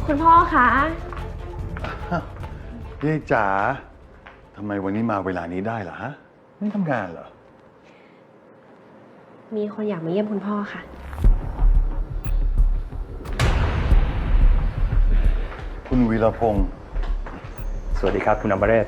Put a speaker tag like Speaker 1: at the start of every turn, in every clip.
Speaker 1: คุณพ่อคะ
Speaker 2: ยายจ๋าทำไมวันนี้มาเวลานี้ได้ล่ะฮะไม่ทำงานเหรอ
Speaker 1: มีคนอยากมาเยี่ยมคุณพ่อค่ะ
Speaker 2: คุณวีรพงศ์
Speaker 3: สวัสดีครับคุณอมเรศ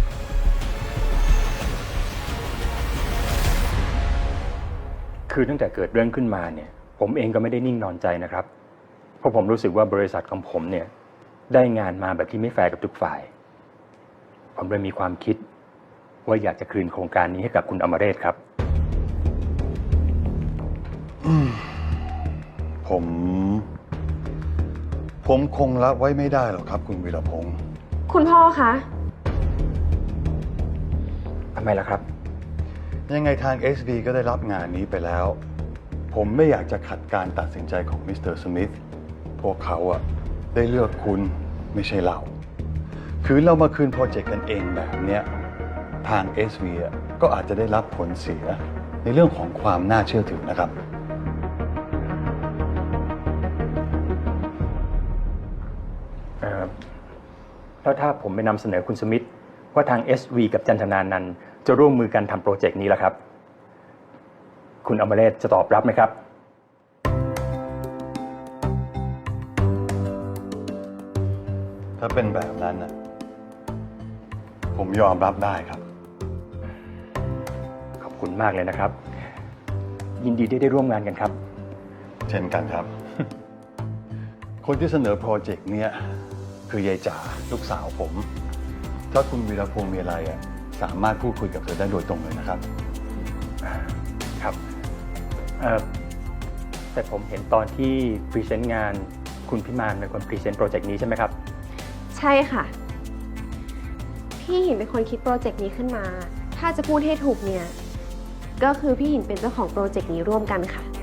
Speaker 3: คือตั้งแต่เกิดเรื่องขึ้นมาเนี่ยผมเองก็ไม่ได้นิ่งนอนใจนะครับเพราะผมรู้สึกว่าบริษัทของผมเนี่ยได้งานมาแบบที่ไม่แฟร์กับทุกฝ่ายผมเลยมีความคิดว่าอยากจะคืนโครงการนี้ให้กับคุณอมเรศครับ
Speaker 2: ผมคงรับไว้ไม่ได้หรอกครับคุณวีรพงศ์
Speaker 1: คุณพ่อคะ
Speaker 3: ทำไมล่ะครับ
Speaker 2: ยังไงทาง SV ก็ได้รับงานนี้ไปแล้วผมไม่อยากจะขัดการตัดสินใจของมิสเตอร์สมิธพวกเขาอะได้เลือกคุณไม่ใช่เราคือเรามาคืนโปรเจกต์กันเองแบบเนี้ยทาง SV อะก็อาจจะได้รับผลเสียในเรื่องของความน่าเชื่อถือนะครับ
Speaker 3: แล้วถ้าผมไปนำเสนอคุณสมิธว่าทาง SV กับจันทนานันท์จะร่วมมือกันทำโปรเจกต์นี้ล่ะครับคุณอมเรศจะตอบรับไหมครับ
Speaker 2: ถ้าเป็นแบบนั้นนะผมยอมรับได้ครับ
Speaker 3: ขอบคุณมากเลยนะครับยินดีที่ได้ร่วมงานกันครับ
Speaker 2: เช่นกันครับ คนที่เสนอโปรเจกต์เนี้ยคือยายจ๋าลูกสาวผมถ้าคุณวีรพงศ์มีอะไรอ่ะสามารถพูดคุยกับเธอได้โดยตรงเลยนะครับ
Speaker 3: ครับแต่ผมเห็นตอนที่พรีเซนต์งานคุณพิมานเป็นคนพรีเซนต์โปรเจกต์นี้ใช่ไหมครับ
Speaker 1: ใช่ค่ะพี่หินเป็นคนคิดโปรเจกต์นี้ขึ้นมาถ้าจะพูดให้ถูกเนี่ยก็คือพี่หินเป็นเจ้าของโปรเจกต์นี้ร่วมกันค่ะ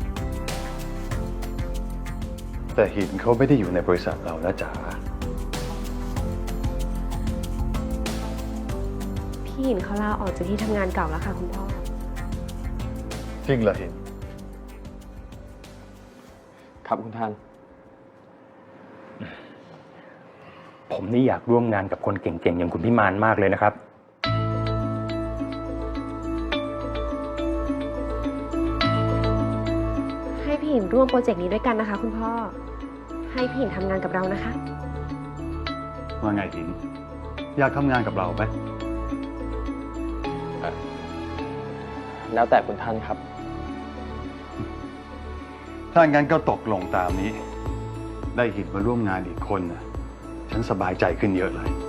Speaker 2: แต่หินเขาไม่ได้อยู่ในบริษัทเรานะจ๋า
Speaker 1: พี่หินเขาลาออกจากที่ทำงานเก่าแล้วค่ะคุณพ่อ
Speaker 2: จริงเหรอหิน
Speaker 4: ครับคุณท่าน
Speaker 3: ผมนี่อยากร่วมงานกับคนเก่งๆอย่างคุณพิมานมากเลยนะครับ
Speaker 1: ให้พี่หินร่วมโปรเจกต์นี้ด้วยกันนะคะคุณพ่อให้พี่หินทำงานกับเรานะคะ
Speaker 2: ว่าไงหินอยากทำงานกับเราไหม
Speaker 4: แล้วแต่คุณท่านครับ
Speaker 2: ถ้างั้นก็ตกลงตามนี้ได้หินมาร่วมงานอีกคนนะฉันสบายใจขึ้นเยอะเลย